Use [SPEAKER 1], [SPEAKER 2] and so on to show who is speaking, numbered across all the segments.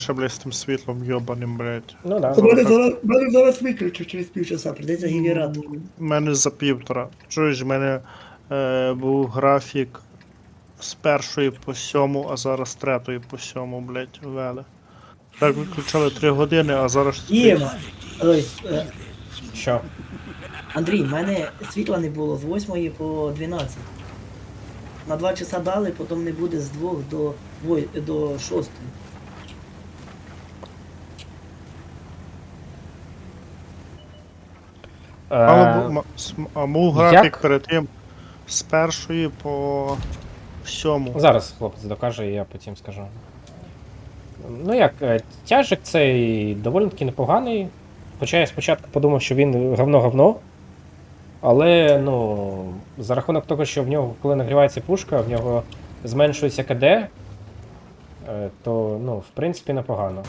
[SPEAKER 1] Ще, блядь, з тим світлом йобаним, блядь.
[SPEAKER 2] Ну да.
[SPEAKER 3] Мене зараз виключу через півчаса, прийдеться генератор.
[SPEAKER 1] У мене за півтора. Чуєш, в мене був графік з 1 по 7, а зараз з 3 по 7, блядь, ввели. Так виключали 3 години, а зараз...
[SPEAKER 3] Єма! Ой,
[SPEAKER 2] Що?
[SPEAKER 3] Андрій, в мене світла не було з 8 по 12. На 2 часа дали, потім не буде з 2 до 6.
[SPEAKER 1] А був графік
[SPEAKER 2] як?
[SPEAKER 1] перед тим з 1 по 7.
[SPEAKER 2] Зараз хлопець докаже, і я потім скажу. Ну як, тяжик цей доволі таки непоганий. Хоча я спочатку подумав, що він говно-говно. Але, ну, за рахунок того, що в нього, коли нагрівається пушка, в нього зменшується КД, то, ну, в принципі, непогано.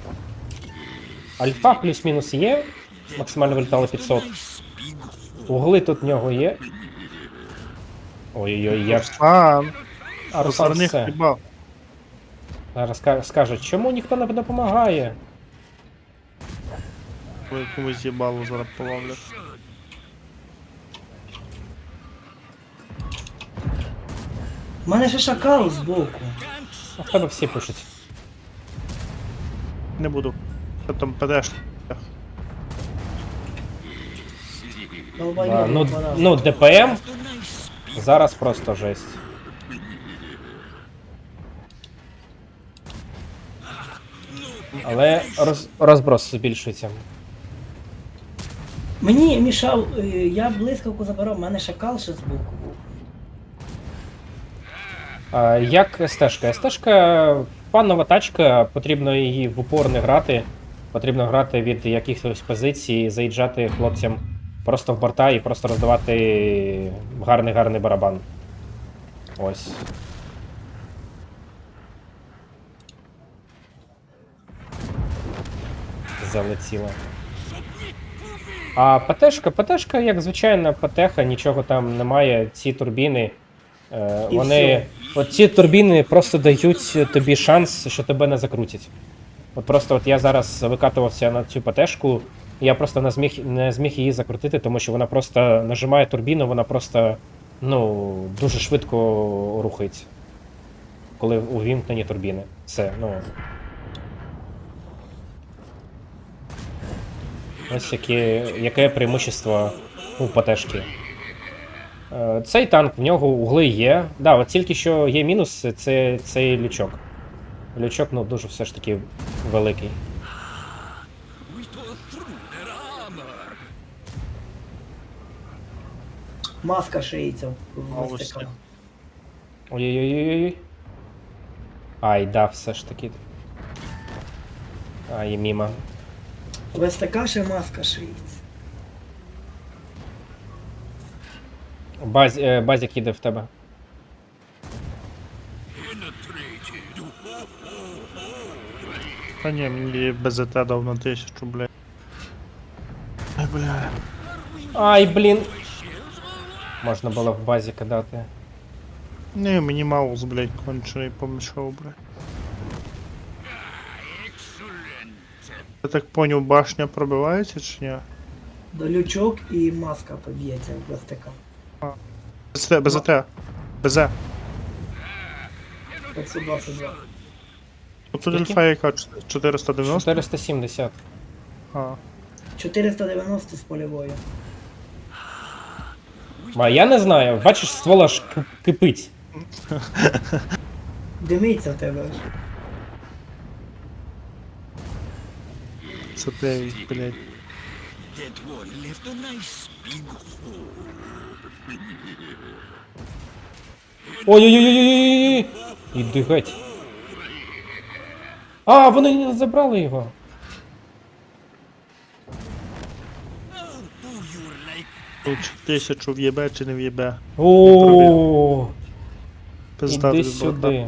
[SPEAKER 2] Альфа плюс-мінус є, максимально вилітало 500. Угли тут в нього є. Ой-ой-ой, як.
[SPEAKER 1] Руслан!
[SPEAKER 2] А Руслан
[SPEAKER 1] Руслан
[SPEAKER 2] все.
[SPEAKER 1] хіба.
[SPEAKER 2] Зараз скаже, чому ніхто не допомагає?
[SPEAKER 1] Ви комусь їбало зараз половлять.
[SPEAKER 3] У мене ще шакал збоку.
[SPEAKER 2] А в тебе всі пишуть.
[SPEAKER 1] Не буду. Що там падеш?
[SPEAKER 2] Да, ну, ДПМ зараз просто жесть. Але розброс збільшується.
[SPEAKER 3] Мені мішав, я блискавку забирав, в мене шакал ще збоку був.
[SPEAKER 2] Як стежка? Стежка панова тачка, потрібно її в упор не грати. Потрібно грати від якихось позицій, заїжджати хлопцям просто в борта і просто роздавати гарний барабан. Ось. Залетіло. А ПТшка, як звичайна ПТха, нічого там немає. Ці турбіни,
[SPEAKER 3] І
[SPEAKER 2] вони. От ці турбіни просто дають тобі шанс, що тебе не закрутять. От просто от я зараз викатувався на цю ПТшку, і я просто не зміг її закрутити, тому що вона просто нажимає турбіну, вона просто, ну, дуже швидко рухається. Коли увімкнені турбіни. Все, ну. Ось яке преимущество у ПТшки. Цей танк, в нього угли є. Да, от тільки що є мінус, це цей лючок. Лючок, ну, дуже все ж таки великий.
[SPEAKER 3] Маска шиється в
[SPEAKER 1] Малості.
[SPEAKER 3] мастика.
[SPEAKER 2] Ой-ой-ой-ой. Ай, да, все ж таки. Ай, мімо.
[SPEAKER 3] В СТК ще маска шиється.
[SPEAKER 2] Базік їде в тебе.
[SPEAKER 1] Та ні, мені БЗТ дав на 1000, блядь. Ай, бля.
[SPEAKER 2] Ай, блін. Можна було в базі кидати.
[SPEAKER 1] Ні, мені маус, блядь, кончений помішав, блядь. Я так поняв, башня пробивається чи ні?
[SPEAKER 3] До лючок і маска поб'ється в СТК.
[SPEAKER 1] БЗТ. БЗ.
[SPEAKER 3] 522.
[SPEAKER 1] Тут
[SPEAKER 2] Скільки?
[SPEAKER 1] альфа яка? 490?
[SPEAKER 2] 470.
[SPEAKER 1] А.
[SPEAKER 3] 490 з польової.
[SPEAKER 2] А я не знаю, бачиш, ствола ж кипить.
[SPEAKER 3] Димиться в тебе ж.
[SPEAKER 1] Це ти, блядь.
[SPEAKER 2] Ой-ой-ой-ой-ой-ой! Іди геть. А, вони не забрали його.
[SPEAKER 1] Тут 1000 в'єбе чи не в'єбе.
[SPEAKER 2] О,
[SPEAKER 1] Пизда
[SPEAKER 2] іди
[SPEAKER 1] тобі, брата.
[SPEAKER 2] сюди.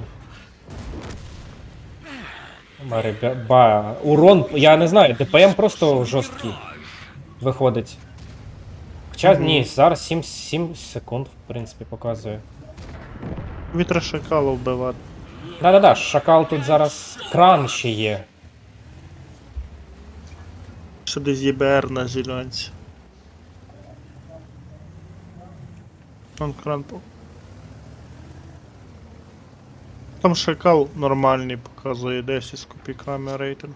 [SPEAKER 2] Урон, я не знаю, ДПМ просто жорсткий виходить. Хоча, ні, зараз 7 секунд, в принципі, показує.
[SPEAKER 1] Вітра шакала вбивати.
[SPEAKER 2] Да-да-да, шакал тут зараз кран ще є.
[SPEAKER 1] Ще десь ЄБР на зеленці. Он кранпо. Там шакал нормальний показує 10 з копійками рейтинг.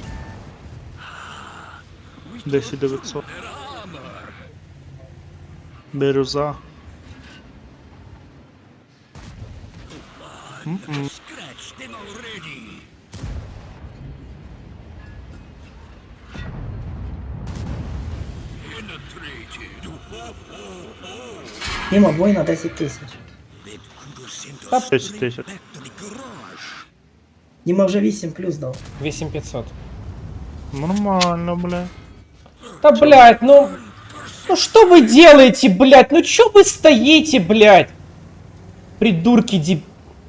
[SPEAKER 1] 10900. Бірюза. М-м.
[SPEAKER 3] Діма, бой на 10 тисяч.
[SPEAKER 1] 10 тисяч.
[SPEAKER 3] Діма вже 8 плюс дав.
[SPEAKER 2] 8500.
[SPEAKER 1] Нормально, бля.
[SPEAKER 2] Да, блядь, ну... Ну что вы делаете, блядь? Ну чё вы стоите, блядь? Придурки деб...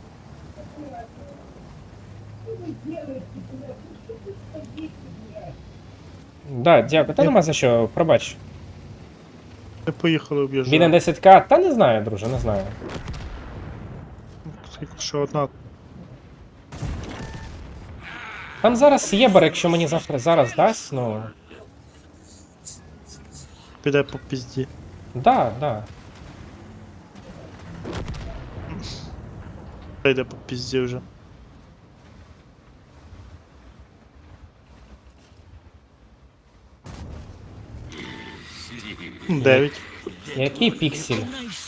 [SPEAKER 2] Да, дякую. Та нема за що, пробач.
[SPEAKER 1] Ми поїхали
[SPEAKER 2] Він на
[SPEAKER 1] об'їжджати.
[SPEAKER 2] 10к? Та не знаю, друже, не знаю.
[SPEAKER 1] Скільки ще одна.
[SPEAKER 2] Там зараз єбер, якщо мені завтра зараз дасть, ну...
[SPEAKER 1] Піде по пізді.
[SPEAKER 2] Да, да.
[SPEAKER 1] Піде по пізді вже. М, 9.
[SPEAKER 2] Який піксель?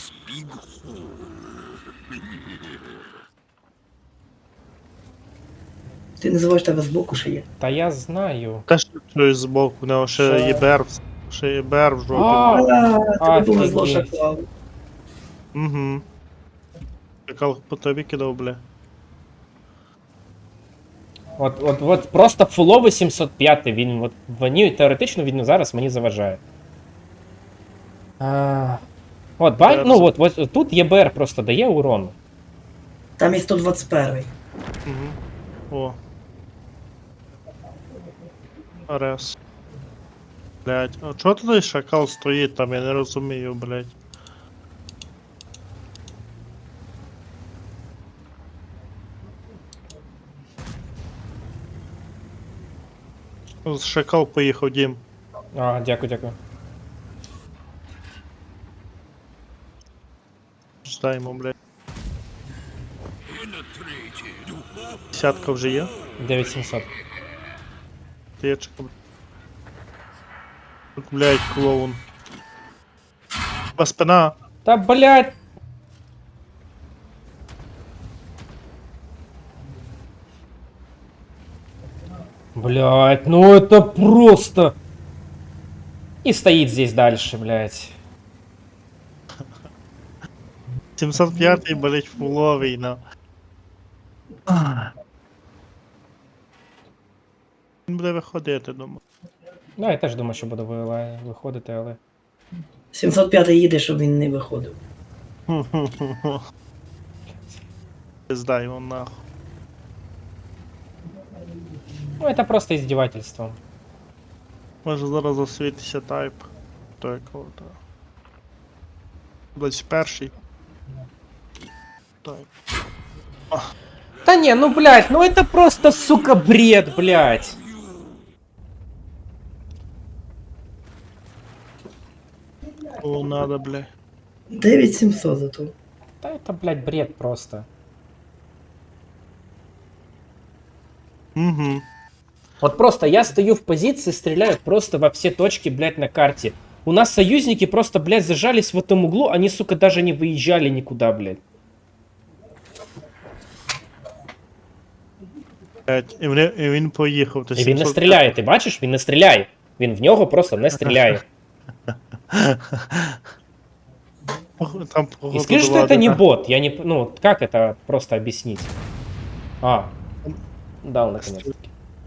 [SPEAKER 3] Ти не забуваєш, тебе збоку ще є.
[SPEAKER 2] Та я знаю.
[SPEAKER 1] Теж чую збоку, у нього ще
[SPEAKER 2] Що?
[SPEAKER 1] ЄБР. Ще ЄБР в жопі.
[SPEAKER 3] А, тобі повезло
[SPEAKER 2] Офігеть.
[SPEAKER 3] шакал.
[SPEAKER 1] Угу. Шакал по тобі кидав, бля.
[SPEAKER 2] От просто фуловий 705, він от мені теоретично він зараз мені заважає. От, бай, ну от тут ЄБР просто дає урон.
[SPEAKER 3] Там і 121.
[SPEAKER 1] Угу. О. Арес. Блять, а чого туди шакал стоїть там, я не розумію, блять. Шакал поїхав, Дім.
[SPEAKER 2] А, дякую, дякую.
[SPEAKER 1] Ждаємо, блять. Десятка вже є?
[SPEAKER 2] 9700.
[SPEAKER 1] Течка. Тут, блять, клоун. Ба спина.
[SPEAKER 2] Та блядь! Блядь, ну это просто... И стоит здесь дальше, блядь.
[SPEAKER 1] 705-й, блять, фуловий, на. Він буде виходити, думаю.
[SPEAKER 2] Ну, я теж думаю, що буду виходити, але...
[SPEAKER 3] 705 їде, щоб він не виходив.
[SPEAKER 1] Здай його нахуй.
[SPEAKER 2] Ну, это просто издевательство.
[SPEAKER 1] Може зараз засвітиться тайп. То якого-то. 21-й. Тайп.
[SPEAKER 2] Да не, ну, блядь, ну это просто, сука, бред, блядь.
[SPEAKER 1] О, надо, бля.
[SPEAKER 3] 9700 зато.
[SPEAKER 2] Да это, блядь, бред просто.
[SPEAKER 1] Угу.
[SPEAKER 2] Вот просто я стою в позиции, стреляю просто во все точки, блядь, на карте. У нас союзники просто, блядь, зажались в этом углу, они, сука, даже не выезжали никуда, блядь.
[SPEAKER 1] І він поїхав. То
[SPEAKER 2] І він не
[SPEAKER 1] 705.
[SPEAKER 2] стріляє, ти бачиш? Він не стріляє. Він в нього просто не стріляє.
[SPEAKER 1] Там,
[SPEAKER 2] И
[SPEAKER 1] походу,
[SPEAKER 2] скажи, что
[SPEAKER 1] два
[SPEAKER 2] это не
[SPEAKER 1] одина-
[SPEAKER 2] бот. Я не... Ну, как это просто объяснить? А. Дал, наконец-таки.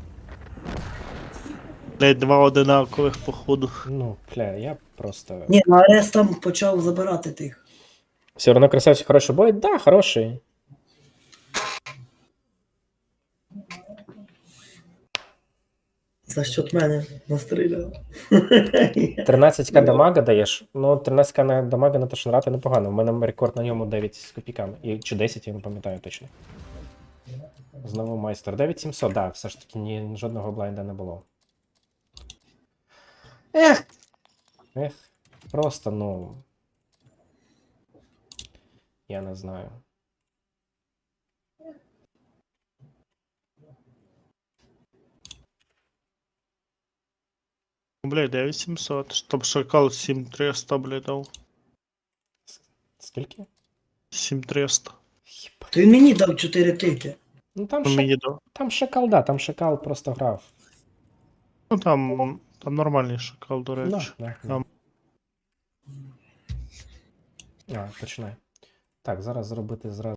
[SPEAKER 1] Блядь, два одинакових, походу.
[SPEAKER 2] Ну, бля, я просто...
[SPEAKER 3] Ні, ну Арес там почав забирати тих.
[SPEAKER 2] Все равно красавчик, хороший бой? Да, хороший.
[SPEAKER 3] За счет мене настріляв.
[SPEAKER 2] 13к дамага даєш? Ну, 13к на дамага на Тошнрата непогано. У мене рекорд на ньому 9 з копійками. Чи 10, я не пам'ятаю точно. Знову майстер. 9700, да, все ж таки жодного блайнда не було. Ех, просто, ну. Я не знаю.
[SPEAKER 1] Блядь, 9700. Щоб шакал 7300, блядь, дав.
[SPEAKER 2] Скільки?
[SPEAKER 1] 7300.
[SPEAKER 2] Єбать.
[SPEAKER 3] То він мені дав 4 тики.
[SPEAKER 2] Ну там,
[SPEAKER 1] Ну, мені дав.
[SPEAKER 2] там шакал, да, там шакал просто грав.
[SPEAKER 1] Ну там нормальний шакал, до речі.
[SPEAKER 2] Да.
[SPEAKER 1] Там.
[SPEAKER 2] А, починай. Так, зараз зробити зразу.